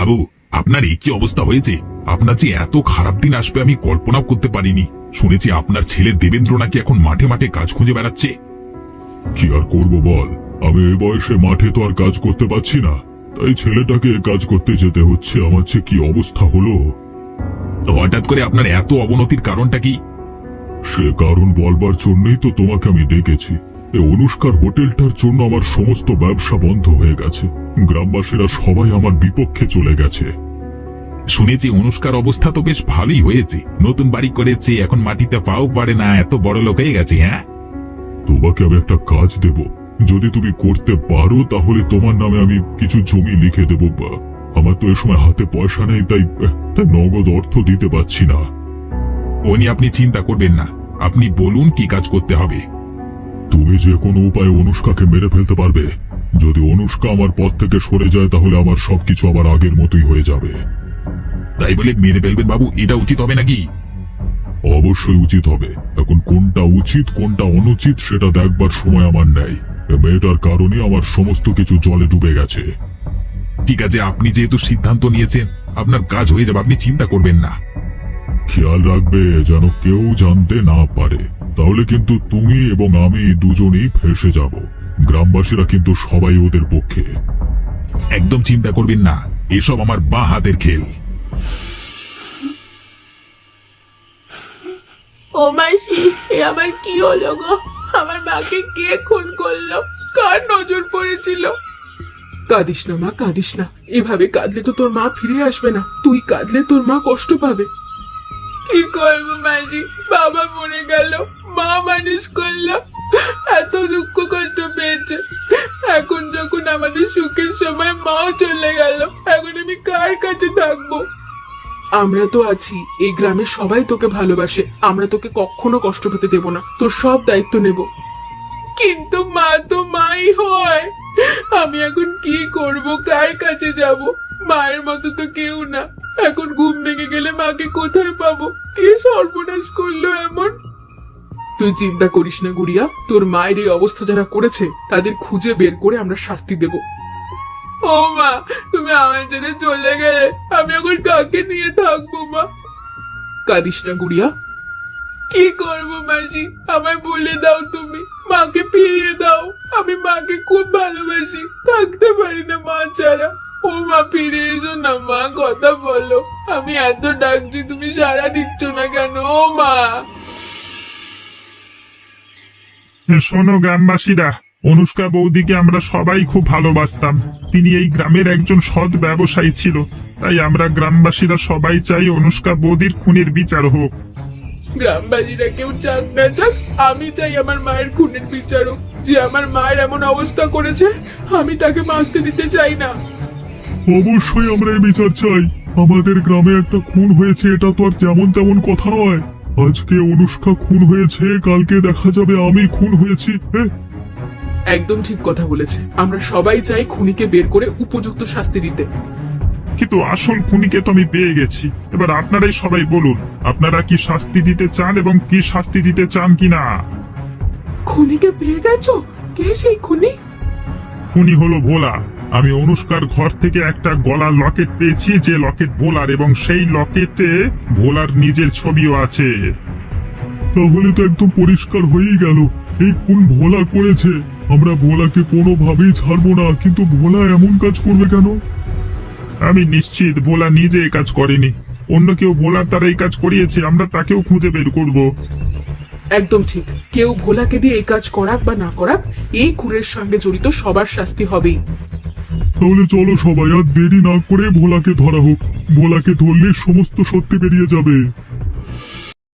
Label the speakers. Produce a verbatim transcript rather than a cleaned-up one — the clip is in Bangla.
Speaker 1: বাবু, আপনার এই কি অবস্থা হয়েছে? আপনার যে এত খারাপ দিন আসবে আমি কল্পনাও করতে পারিনি। শুনেছি আপনার ছেলে দেবেন্দ্র নাকি এখন মাঠে মাঠে কাজ খুঁজে বেড়াচ্ছে।
Speaker 2: কি আর করব বল, আমি এই বয়সে মাঠে তো আর কাজ করতে পারছি না, তাই ছেলেটাকে কাজ করতে যেতে হচ্ছে। আমার যে কি অবস্থা হলো।
Speaker 1: হঠাৎ করে আপনার এত অবনতির কারণটা কি?
Speaker 2: সে কারণ বলবার জন্যই তো তোমাকে আমি ডেকেছি। এই অনুষ্কার হোটেলটার জন্য আমার সমস্ত ব্যবসা বন্ধ হয়ে গেছে। গ্রামবাসীরা সবাই আমার বিপক্ষে চলে গেছে।
Speaker 1: শুনেছি অনুষ্কার অবস্থা তো বেশ ভালোই হয়েছে, নতুন বাড়ি করেছে, এখন মাটিতে পাও পারে না, এত বড় লোক হয়ে গেছে। হ্যাঁ,
Speaker 2: তোমাকে আমি একটা কাজ দেব, যদি তুমি করতে পারো তাহলে তোমার নামে আমি কিছু জমি লিখে দেব। আমার তো এ সময় হাতে পয়সা নেই, তাই তাই নগদ অর্থ দিতে পারছি না।
Speaker 1: ও নিয়ে আপনি চিন্তা করবেন না, আপনি বলুন কি কাজ করতে হবে।
Speaker 2: তুমি যে কোনো উপায়ে অনুষ্কাকে মেরে ফেলতে পারবে। যদি অনুষ্কা আমার পথ থেকে সরে যায় তাহলে আমার সবকিছু আবার আগের মতোই হয়ে যাবে।
Speaker 1: তাই বলে মেরে ফেলবেন বাবু, এটা উচিত হবে নাকি?
Speaker 2: অবশ্যই উচিত হবে। এখন কোনটা উচিত কোনটা অনুচিত সেটা দেখবার সময় আমার নেই। এ মেয়েটার কারণে আমার সমস্ত কিছু জলে ডুবে গেছে।
Speaker 1: ঠিক আছে, আপনি যেহেতু সিদ্ধান্ত নিয়েছেন আপনার কাজ হয়ে যাবে, আপনি চিন্তা করবেন না।
Speaker 2: খেয়াল রাখবে যেন কেউ জানতে না পারে, তাহলে কিন্তু তুমি এবং আমি দুজনেই ফেঁসে যাব। গ্রামবাসীরা কিন্তু সবাই ওদের পক্ষে।
Speaker 1: একদম চিন্তা করবেন না, এসব আমার বাঁ হাতের খেল।
Speaker 3: ও মাসি, এ আমার কি হলো গো? আমার মাকে কে খুন করলো? কার নজর পড়েছিল? কাঁদিস না মা, কাঁদিস না। এভাবে কাঁদলে তো তোর মা ফিরে আসবে না। তুই কাঁদলে তোর মা কষ্ট পাবে। কি করবো মাসি, বাবা মরে গেল, মা মানুষ করলো, এত দুঃখ কষ্ট পেয়েছে। এখন যখন আমাদের সুখের সময় মাও চলে গেল, এখন আমি কার কাছে থাকবো? আমরা তো আছি, এই গ্রামের সবাই তোকে ভালোবাসে। আমরা তোকে কখনো কষ্ট পেতে দেব না, তোর সব দায়িত্ব নেব। কিন্তু মা তো মাই হয়। আমি এখন কি করব, কার কাছে যাব? মায়ের মতো তো কেউ না। এখন ঘুম ভেঙে গেলে মাকে কোথায় পাবো? কে সর্বনাশ করলো এমন? তুই চিন্তা করিস না গুড়িয়া, তোর মায়ের এই অবস্থা যারা করেছে তাদের খুঁজে বের করে আমরা শাস্তি দেব। ও মা, তুমি আমার জন্য চলে গেলে আমি এখন কাকে নিয়ে থাকবো মা? কাঁদিস না গুড়িয়া। কি করবো মাসি, আমায় বলে দাও, তুমি মাকে ফিরিয়ে দাও। আমি মাকে খুব ভালোবাসি, থাকতে পারি না মা ছাড়া। ও মা, ফিরে এসো না মা, কথা বলো। আমি এত ডাকছি, তুমি সাড়া দিচ্ছ না কেন? ও মা।
Speaker 4: শোনো গ্রামবাসীরা, অনুষ্কা বৌদিকে আমরা সবাই খুব ভালোবাসতাম। তিনি এই গ্রামের একজন সৎ ব্যবসায়ী ছিল, তাই আমরা গ্রামবাসীরা সবাই চাই অনুষ্কা বৌদির খুনের বিচার হোক।
Speaker 3: গ্রামবাসীরা কেউ চাক না চাক, আমি চাই আমার মায়ের খুনের বিচার হোক। যে আমার মায়ের এমন অবস্থা করেছে, আমি তাকে বাঁচতে দিতে চাই না।
Speaker 2: অবশ্যই আমরা এই বিচার চাই। আমাদের গ্রামে একটা খুন হয়েছে, এটা তো আর যেমন তেমন কথা নয়। আজকে অনুষ্কা খুন হয়েছে, কালকে দেখা যাবে আমি খুন হয়েছি।
Speaker 3: একদম ঠিক কথা বলেছে। আমরা সবাই চাই খুনিকে বের করে উপযুক্ত শাস্তি দিতে।
Speaker 4: কিন্তু আসল খুনিকে তো আমি পেয়ে গেছি। এবার আপনারাই সবাই বলুন, আপনারা কি শাস্তি দিতে চান এবং কি শাস্তি দিতে চান কিনা?
Speaker 3: খুনিকে পেয়ে গেছো? কে সেই খুনি?
Speaker 4: খুনি হলো ভোলা। আমি অনুষ্কার ঘর থেকে একটা গলার লকেট পেয়েছি, যে লকেট ভোলার, এবং সেই লকেটে ভোলার নিজের ছবিও আছে।
Speaker 2: তাহলে তো একদম পরিষ্কার হয়েই গেল, এই খুন ভোলা করেছে। আমরা ভোলাকে কোনোভাবেই ছাড়বো না, কিন্তু ভোলা এমন কাজ করবে কেন?
Speaker 4: আমি নিশ্চিত ভোলা নিজে এই কাজ করেনি, অন্য কেউ ভোলার দ্বারা এই কাজ করিয়েছে। আমরা তাকেও খুঁজে বের করব।
Speaker 3: একদম ঠিক। কেউ ভোলাকে দিয়ে এই কাজ করাক বা না করাক, এই খুনের সঙ্গে জড়িত সবার শাস্তি হবেই।
Speaker 2: তাহলে চলো সবাই, আর দেরি না করে ভোলাকে ধরা হোক। ভোলাকে ধরলে সমস্ত সত্যি বেরিয়ে যাবে।